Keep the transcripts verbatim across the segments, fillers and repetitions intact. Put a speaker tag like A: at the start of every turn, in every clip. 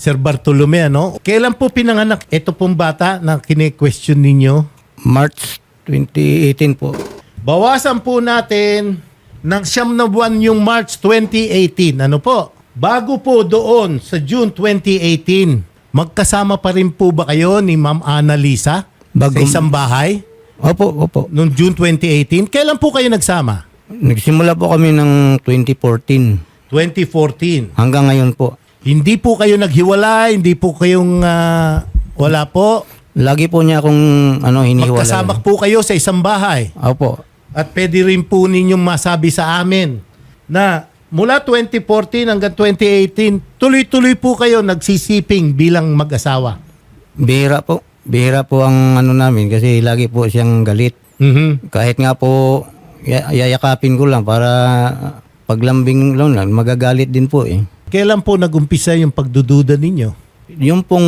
A: Sir Bartolome, ano? Kailan po pinanganak ito pong bata na kine-question ninyo?
B: March twenty eighteen po.
A: Bawasan po natin ng siyam na buwan yung March twenty eighteen. Ano po? Bago po doon sa June twenty eighteen, magkasama pa rin po ba kayo ni Ma'am Annalisa
B: Bagong-
A: sa isang bahay
B: Opo, opo.
A: noong June twenty eighteen? Kailan po kayo nagsama?
B: Nagsimula po kami ng twenty fourteen
A: twenty fourteen.
B: hanggang ngayon po.
A: Hindi po kayo naghiwalay, hindi po kayong ah, wala po.
B: Lagi po niya akong ano, hinihiwalay.
A: Magkasama po kayo sa isang bahay.
B: Opo.
A: At pwede rin po ninyong masabi sa amin na mula twenty fourteen hanggang twenty eighteen, tuloy-tuloy po kayo nagsisiping bilang mag-asawa.
B: Bihira po. Bihira po ang ano namin kasi lagi po siyang galit.
A: Mhm.
B: Kahit nga po ya- yayakapin ko lang para paglambing lang lang, magagalit din po eh.
A: Kailan po nag-umpisa yung pagdududa ninyo?
B: Yung pong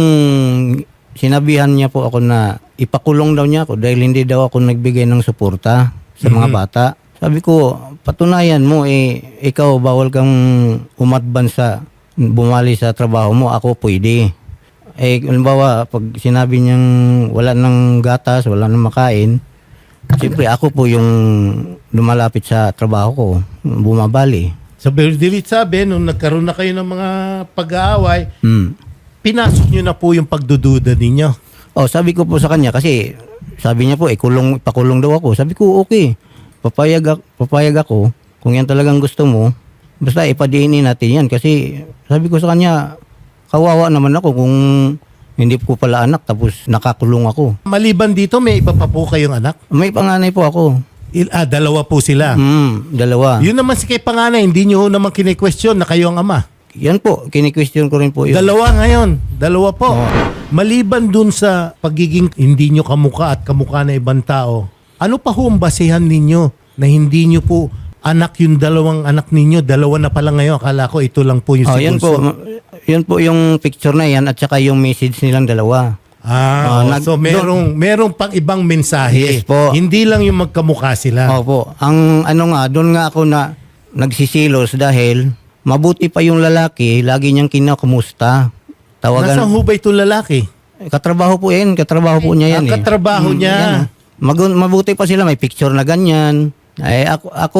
B: sinabihan niya po ako na ipakulong daw niya ako dahil hindi daw ako nagbigay ng suporta sa mga bata. Sabi ko, patunayan mo eh, ikaw bawal kang umatban sa bumali sa trabaho mo, ako pwede. Eh, halimbawa, pag sinabi niyang wala ng gatas, wala ng makain, siyempre ako po yung lumalapit sa trabaho ko, bumabali.
A: Sa Berdilit sabi, nung nagkaroon na kayo ng mga pag-aaway,
B: Hmm.
A: pinasok nyo na po yung pagdududa ninyo.
B: Oh, sabi ko po sa kanya kasi sabi niya po, eh, kulong, ipakulong daw ako. Sabi ko, okay. Papayag, ak- papayag ako. Kung yan talagang gusto mo, basta ipadiinin natin yan. Kasi sabi ko sa kanya, kawawa naman ako kung hindi ko pala anak tapos nakakulong ako.
A: Maliban dito, may iba pa po kayong anak?
B: May panganay po ako.
A: Il- ah, dalawa po sila.
B: Hmm, dalawa.
A: Yun naman si kay panganay, hindi nyo naman kine-question na kayo ang ama.
B: Yan po, kini-question ko rin po yun.
A: Dalawa ngayon. Dalawa po. Maliban dun sa pagiging hindi nyo kamukha at kamukha na ibang tao, ano pa ho ang basehan ninyo na hindi nyo po anak yung dalawang anak ninyo? Dalawa na pala ngayon. Akala ko ito lang po yung
B: Oh,
A: si
B: yan
A: Bunso.
B: po. Yan po yung picture na yan at saka yung message nilang dalawa.
A: Ah,
B: Ah,
A: oh,
B: nag-
A: so merong, merong pang ibang mensahe.
B: Yes po.
A: Hindi lang yung magkamukha sila.
B: Opo. Ang ano nga, doon nga ako na nagsisilos dahil mabuti pa yung lalaki, lagi niyang kinakumusta.
A: Nasaan
B: Tawagan.
A: ho ba itong lalaki?
B: Katrabaho po yan, katrabaho po niya yan
A: Ang
B: eh.
A: katrabaho
B: Mm,
A: niya.
B: yan. Magun- mabuti pa sila, may picture na ganyan. Eh, ako, ako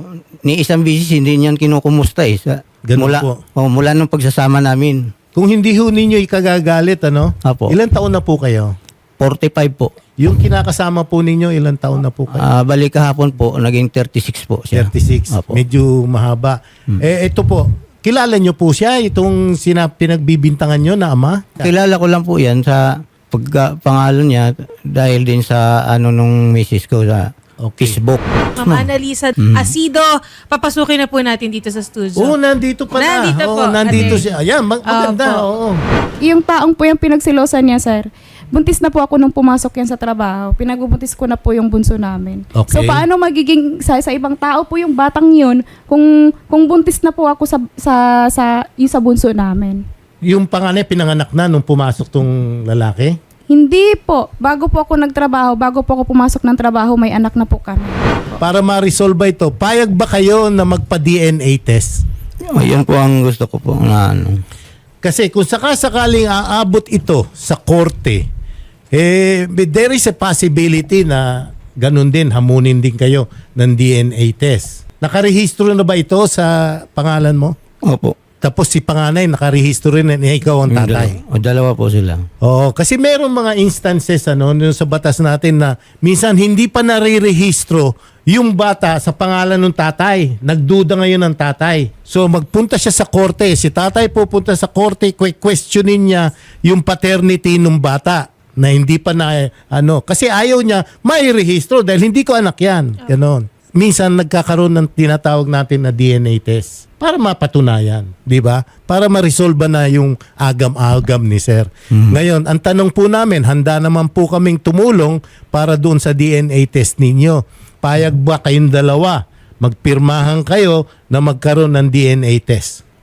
B: ni isang bisis hindi niyan kinukumusta eh. Sa,
A: Ganun
B: mula,
A: po.
B: oh, mula nung pagsasama namin.
A: Kung hindi ho ninyo ikagagalit, ano?
B: Apo.
A: Ilan taon na po kayo?
B: forty-five po.
A: Yung kinakasama po ninyo, ilan taon na po kayo?
B: Ah, balik kahapon po, naging thirty-six po siya.
A: thirty-six.
B: Apo.
A: Medyo mahaba. Eh, ito po. Kilala nyo po siya, itong sinap pinagbibintangan nyo na ama?
B: Kilala ko lang po yan sa pagka, pangalan niya dahil din sa ano nung misis ko sa
A: Okay.
B: Facebook.
C: Ma'am Annalisa Asido, papasukin na po natin dito sa studio.
A: Oo, nandito pa na.
C: Nandito
A: Oo,
C: po.
A: nandito
C: Ate.
A: siya. Ayan, mag- maganda.
C: Opo.
A: Oo.
D: Yung taong po yung pinagsilosan niya, sir. Buntis na po ako nung pumasok yan sa trabaho. Pinagbubuntis ko na po yung bunso namin.
A: Okay.
D: So paano magiging sa, sa ibang tao po yung batang yun kung kung buntis na po ako sa sa sa yung sa bunso namin?
A: Yung panganay pinanganak na nung pumasok tong lalaki?
D: Hindi po. Bago po ako nagtrabaho, bago po ako pumasok ng trabaho, may anak na po kami.
A: Para ma-resolve ito, payag ba kayo na magpa-D N A test?
B: Ayun po ang gusto ko po na ano.
A: Kasi kung sakasakaling aabot ito sa korte, eh, there is a possibility na ganun din, hamunin din kayo ng D N A test. Nakarehistro na ba ito sa pangalan mo?
B: Opo.
A: Tapos si panganay, nakarehistro rin na ikaw ang tatay.
B: O dalawa po sila.
A: Oo, kasi meron mga instances ano, yung sa batas natin na minsan hindi pa narirehistro yung bata sa pangalan ng tatay. Nagduda ngayon ng tatay. So magpunta siya sa korte. Si tatay pupunta sa korte, que- questionin niya yung paternity ng bata na hindi pa na ano. Kasi ayaw niya may rehistro dahil hindi ko anak yan. Ganon. Minsan nagkakaroon ng tinatawag natin na D N A test para mapatunayan, di ba? Para ma-resolve na yung agam-agam ni sir. Ngayon, ang tanong po namin, handa naman po kaming tumulong para doon sa D N A test ninyo. Payag ba kayong dalawa? Magpirmahan kayo na magkaroon ng D N A test.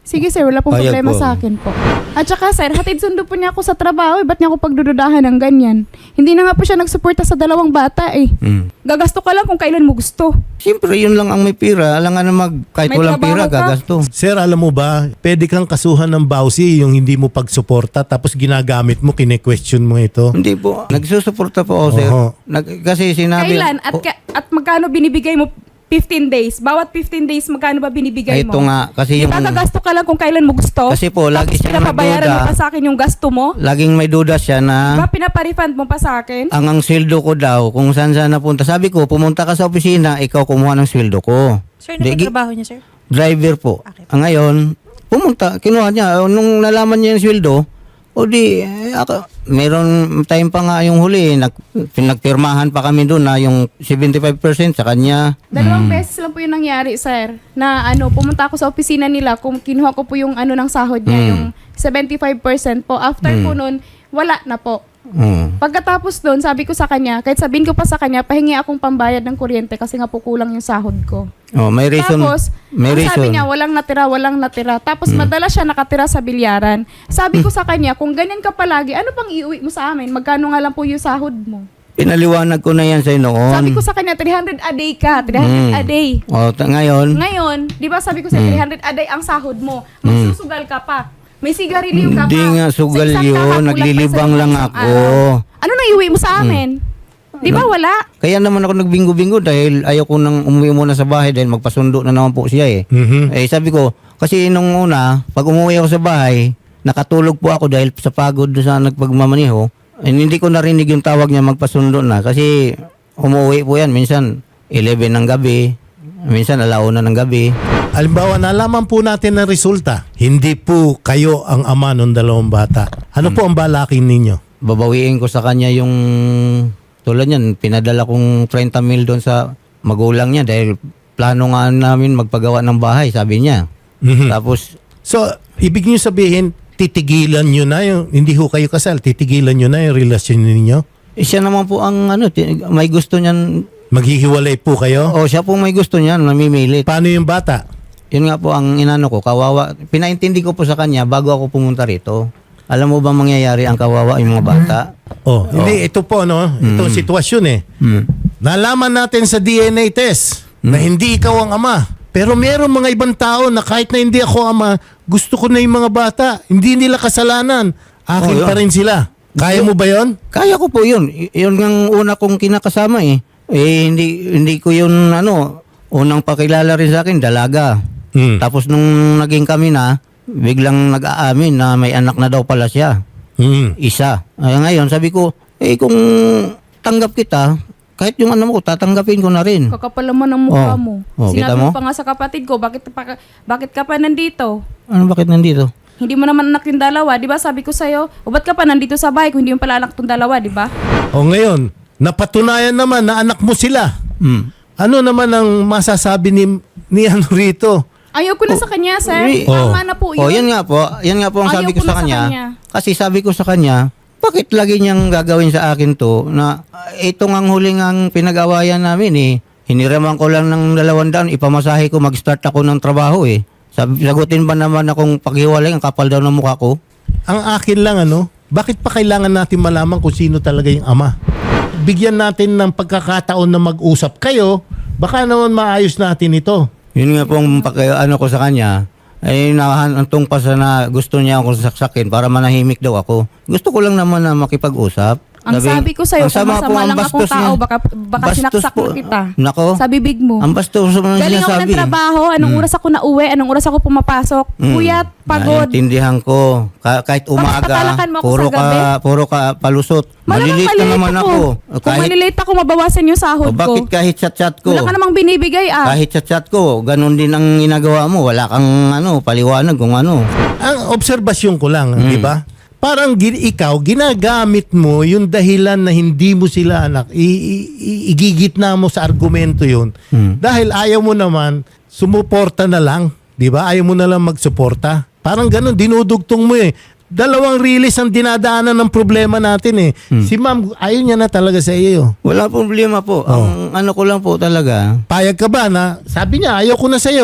D: Sige sir, wala pong
B: Payag
D: problema
B: po.
D: sa akin po. At saka sir, hatid sundo po niya ako sa trabaho. Eh, ba't niya ako pagdududahan ng ganyan? Hindi na nga po siya nagsuporta sa dalawang bata eh.
B: Hmm.
D: Gagasto ka lang kung kailan mo gusto.
B: Siyempre, yun lang ang may pira. Alam nga na mag, kahit
D: May
B: walang
D: trabaho
B: pira,
D: ka?
B: gagasto.
A: Sir, alam mo ba, pwede kang kasuhan ng bawsi yung hindi mo pagsuporta tapos ginagamit mo, kine-question mo ito.
B: Hindi po. Nagsusuporta po ako, sir.
A: Oho.
B: Nag, kasi sinabi...
D: Kailan? At,
B: Oh,
D: ka- at magkano binibigay mo? fifteen days. Bawat fifteen days, magkano ba binibigay mo?
B: ito nga, kasi yung...
D: Diba gagasto ka lang kung kailan mo gusto?
B: Kasi po, lagi
D: Tapos
B: siya
D: pinapabayaran mo
B: nagduda.
D: pa sa akin yung gasto mo?
B: Laging may duda siya na...
D: Diba pinapa-refund mo pa sa akin?
B: ang ang sweldo ko daw, kung saan saan napunta. Sabi ko, pumunta ka sa opisina, ikaw kumuha ng sweldo ko.
C: Sir, ano
B: Di-
C: ba trabaho niya, sir?
B: Driver po.
C: Okay.
B: Ang ngayon, pumunta, kinuha niya. Nung nalaman niya yung sweldo, o di, eh, ako, meron time pa nga yung huli, nag, pinagpirmahan pa kami doon na yung seventy-five percent sa kanya.
D: Dalawang beses lang po yung nangyari, sir. Na ano, pumunta ako sa opisina nila, kung kinuha ko po yung ano ng sahod niya,
B: Mm.
D: yung seventy-five percent po. After po nun, wala na po.
B: Hmm.
D: Pagkatapos doon, sabi ko sa kanya, kahit sabihin ko pa sa kanya, pahingi akong pambayad ng kuryente kasi nga po kulang yung sahod ko.
B: Oh, may reason.
D: Tapos,
B: may
D: ang
B: reason.
D: sabi niya, walang natira, walang natira. Tapos, madalas siya nakatira sa bilyaran. Sabi ko sa kanya, kung ganyan ka palagi, ano pang iuwi mo sa amin? Magkano nga lang po yung sahod mo?
B: Pinaliwanag ko na yan sa'yo noon.
D: Sabi ko sa kanya, three hundred a day ka, three hundred
B: Mm.
D: a day.
B: Oh, ta- ngayon,
D: Ngayon, di ba sabi ko sa
B: Mm.
D: three hundred a day ang sahod mo, magsusugal ka pa. May sigarilyo ka pa.
B: Hindi nga sugal
D: Sa isang
B: yun,
D: kaha, kulang pa
B: naglilibang
D: sa
B: lang
D: isang
B: ako. Mm.
D: araw. Ano nang iuwi mo sa amin? Di ba wala?
B: kaya naman ako nagbingo-bingo dahil ayaw ko nang umuwi muna sa bahay dahil magpasundo na naman po siya eh.
A: Mhm.
B: Eh sabi ko, kasi nung una, pag umuwi ako sa bahay, nakatulog po ako dahil sa pagod doon sa nagpagmamaneho. Eh, hindi ko narinig yung tawag niya magpasundo na kasi umuwi po yan minsan eleven ng gabi, minsan alauna ng gabi.
A: Halimbawa, nalaman po natin ang resulta. Hindi po kayo ang ama ng dalawang bata. Ano po ang balakin ninyo?
B: Babawiin ko sa kanya yung tulad niyan, pinadala kong thirty mil doon sa magulang niya dahil plano nga namin magpagawa ng bahay, sabi niya.
A: Mhm.
B: Tapos,
A: So, ibig niyo sabihin, titigilan niyo na yung, hindi ho kayo kasal, titigilan niyo na yung relasyon ninyo?
B: eh, siya naman po ang ano, ti- may gusto niyan,
A: Maghihiwalay po kayo?
B: o siya po may gusto niyan, namimilit.
A: Paano yung bata?
B: Yun nga po ang inano ko, kawawa. Pinaintindi ko po sa kanya bago ako pumunta rito. Alam mo ba mangyayari ang kawawa yung mga bata?
A: Oh, hindi, ito po, no? Itong sitwasyon eh.
B: Hmm.
A: Nalaman natin sa D N A test na hindi ikaw ang ama. Pero meron mga ibang tao na kahit na hindi ako ama, gusto ko na yung mga bata. Hindi nila kasalanan. Akin
B: Oh, yun.
A: pa rin sila. Kaya mo ba yon?
B: Kaya ko po yun. Y- yun ang una kong kinakasama eh. Eh, hindi, hindi ko yun, ano, unang pakilala rin sa akin, dalaga.
A: Mm.
B: Tapos nung naging kami na, biglang nag-aamin na may anak na daw pala siya.
A: Mm.
B: Isa. Ay, ngayon, sabi ko, eh kung tanggap kita, kahit yung ano mo, tatanggapin ko na rin.
D: Kakapal naman ang mukha
B: Oh.
D: mo.
B: Oh, kita
D: Sinabi mo
B: mo?
D: pa nga sa kapatid ko, bakit, pa, bakit ka pa nandito?
B: Ano, bakit nandito?
D: Hindi mo naman anak yung dalawa, di ba? Sabi ko sa'yo, o ba't ka pa nandito sa bahay kung hindi mo pala anak tong dalawa, di ba?
A: O ngayon, napatunayan naman na anak mo sila.
B: Hmm.
A: Ano naman ang masasabi ni, ni ano rito?
D: Ayaw ko na sa kanya, sir.
B: Uy.
D: Tama na po yun.
B: Oh, yan nga po. Yan nga po ang
D: Ayaw
B: sabi
D: ko
B: ko
D: na
B: sa
D: sa
B: kanya.
D: kanya.
B: Kasi sabi ko sa kanya, bakit lagi niyang gagawin sa akin to na uh, ito ngang huling ang pinag-awayan namin eh. Hiniraman ko lang ng dalawang daan, ipamasahe ko, mag-start ako ng trabaho eh. Sabi, sagutin ba naman akong paghiwalay, ang kapal daw ng mukha ko?
A: Ang akin lang ano, bakit pa kailangan natin malaman kung sino talaga yung ama? Bigyan natin ng pagkakataon na mag-usap kayo, baka naman maayos natin ito.
B: Yun nga pong paki, ano ko sa kanya, ay nahantong pa sa na gusto niya akong saksakin para manahimik daw ako. Gusto ko lang naman na makipag-usap.
D: Ang sabi ko sa'yo,
B: ang sama
D: kung
B: po
D: masama
B: ang
D: lang akong
B: bastos
D: tao,
B: niya.
D: baka, baka
B: Bastos
D: sinaksak
B: po.
D: na kita.
B: Nako.
D: Sa bibig mo.
B: Ang bastos mo ng
D: Galing ako
B: sinasabi.
D: ng trabaho, anong oras ako na uwi, anong oras ako pumapasok.
B: Mm.
D: Puyat, pagod.
B: Naiintindihan ko. Ka- kahit umaga,
D: patalakan mo ako
B: puro
D: sa gabi?
B: ka, puro ka palusot.
D: Malamang
B: Malilate na
D: malilate
B: naman ako.
D: Kung
B: Kahit,
D: malilate ako, mabawasan yung sahod
B: o bakit
D: ko.
B: kahit chat-chat ko?
D: Wala ka namang binibigay ah.
B: Kahit chat-chat ko, ganun din ang ginagawa mo. Wala kang ano, paliwanag kung ano.
A: Ang obserbasyon ko lang, di ba? Parang gin, ikaw, ginagamit mo yung dahilan na hindi mo sila anak. I, i- i- igigitna mo sa argumento yun.
B: Hmm.
A: Dahil ayaw mo naman, sumuporta na lang. Di ba? Ayaw mo na lang magsuporta. Parang ganun, dinudugtong mo eh. Dalawang release ang dinadaanan ng problema natin eh. Si ma'am, ayaw niya na talaga sa iyo.
B: Wala problema po. Ang ano ko lang po talaga,
A: Payag ka ba na, sabi niya, ayaw ko na sa iyo.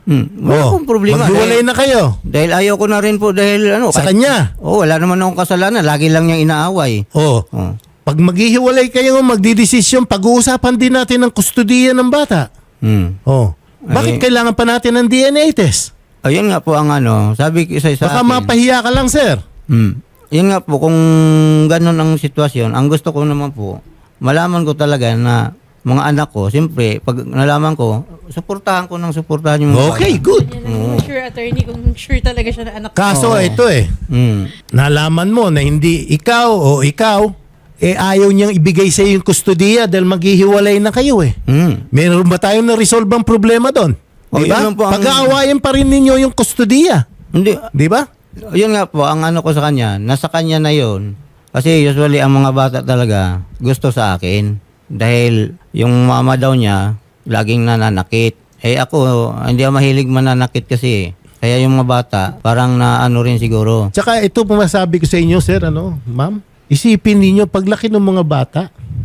B: Hmm. Wala
A: Oh,
B: akong problema.
A: maghiwalay
B: Dahil,
A: na kayo.
B: dahil ayaw ko na rin po dahil ano.
A: Sa
B: kahit-
A: kanya.
B: Oh, wala naman akong kasalanan. Lagi lang niya inaaway.
A: Oh.
B: Oh.
A: Pag maghihiwalay kayo, magdidesisyon, pag-uusapan din natin ang kustudiya ng bata.
B: Hmm.
A: Oh. Bakit
B: Ay.
A: kailangan pa natin ng D N A test?
B: Ayun nga po ang ano. Sabi ko sa sa
A: Baka
B: akin.
A: mapahiya ka lang, sir.
B: Hmm. Yun nga po, kung ganun ang sitwasyon, ang gusto ko naman po, malaman ko talaga na mga anak ko, siyempre, pag nalaman ko, suportahan ko ng suportahan yung mga
A: Okay,
B: bata.
A: good.
C: Yan ang yung sure attorney kung sure talaga siya na anak ko.
A: Kaso
B: Oo.
A: ito eh,
B: Hmm.
A: nalaman mo na hindi ikaw o ikaw, eh ayaw niyang ibigay sa iyo yung kustudiya dahil maghihiwalay na kayo eh.
B: Hmm.
A: Meron ba tayong na-resolve ang problema doon?
B: Oh,
A: Di ba?
B: yun lang po ang-
A: Pag-aawayan pa rin ninyo yung kustudiya.
B: Hindi,
A: Di ba?
B: yun nga po, ang ano ko sa kanya, nasa kanya na yun. Kasi usually ang mga bata talaga gusto sa akin. Dahil yung mama daw niya, laging nananakit. Eh ako, hindi ako mahilig mananakit kasi. Kaya yung mga bata, parang na ano rin siguro.
A: Tsaka ito pumasabi ko sa inyo, sir, ano, ma'am, isipin ninyo, paglaki ng mga bata,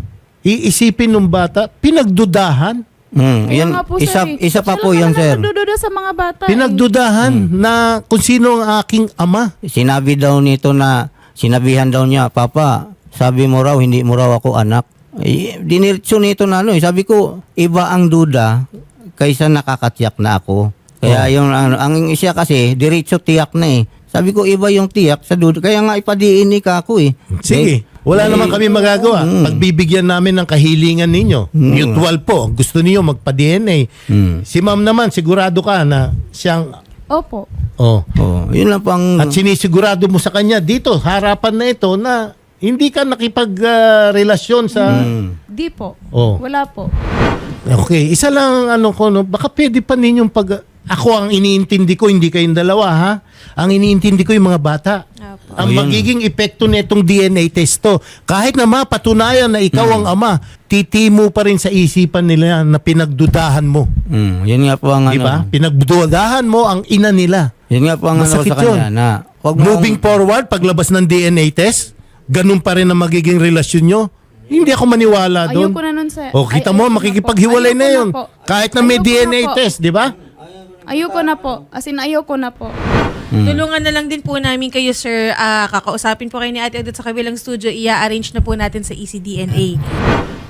A: iisipin ng bata, pinagdudahan.
B: Hmm,
D: Kaya
B: yun,
D: nga po,
B: isa,
D: sir, eh.
B: isa pa
D: Siya
B: po
D: lang
B: yun,
D: naman
B: sir.
D: ang nagdududa sa mga bata. eh.
A: Pinagdudahan na kung sino ang aking ama.
B: Sinabi daw nito na, sinabihan daw niya, Papa, sabi mo raw, hindi mo raw ako anak. Eh, diniretso nito na ano, eh. Sabi ko, iba ang duda kaysa nakakatiyak na ako. Kaya
A: Oh.
B: yung ano, ang siya kasi, diretso tiyak na eh. Sabi ko, iba yung tiyak sa duda. Kaya nga ipadiin ni ka ako eh.
A: Sige, wala
B: Eh,
A: naman kami magagawa. Pagbibigyan namin ng kahilingan ninyo.
B: Mm.
A: Mutual po. Gusto niyo magpa-D N A.
B: Hmm.
A: Si ma'am naman, sigurado ka na siyang...
D: Opo.
A: Oh.
B: Oh, yun lang pang...
A: At sinisigurado mo sa kanya dito, harapan na ito na hindi ka nakipag-relasyon sa...
B: Hmm.
D: Di po.
A: Oh.
D: Wala po.
A: Okay, isa lang ano ko, no, baka pwede pa ninyong pag... Ako ang iniintindi ko, hindi kayong dalawa ha. Ang iniintindi ko yung mga bata.
C: Opo.
A: Ang
B: Ayun.
A: magiging epekto nitong D N A test to, kahit na mapatunayan na ikaw ang ama, titimo pa rin sa isipan nila na pinagdudahan mo.
B: Hmm, yun nga po ang ano.
A: Di ba? Pinagdudahan mo ang ina nila.
B: Yun nga po ang ano ko
A: Masakit
B: sa kanya
A: yun.
B: na... Wag mo
A: Moving forward, paglabas ng D N A test, ganun pa rin ang magiging relasyon nyo. Hindi ako maniwala doon.
D: Ayoko na nun, sir.
A: O kita
D: Ay,
A: mo,
D: ayoko na
A: makikipaghiwalay
D: po.
A: na
D: Ayoko
A: yun.
D: po.
A: Kahit na may
D: Ayoko
A: D N A
D: na po.
A: test, di ba?
D: Ayoko na po. As in, ayoko na po.
C: Tulungan na lang din po namin kayo, sir. Ah, kakausapin po kayo ni Ate Odette sa kabilang studio. I-arrange na po natin sa E C D N A.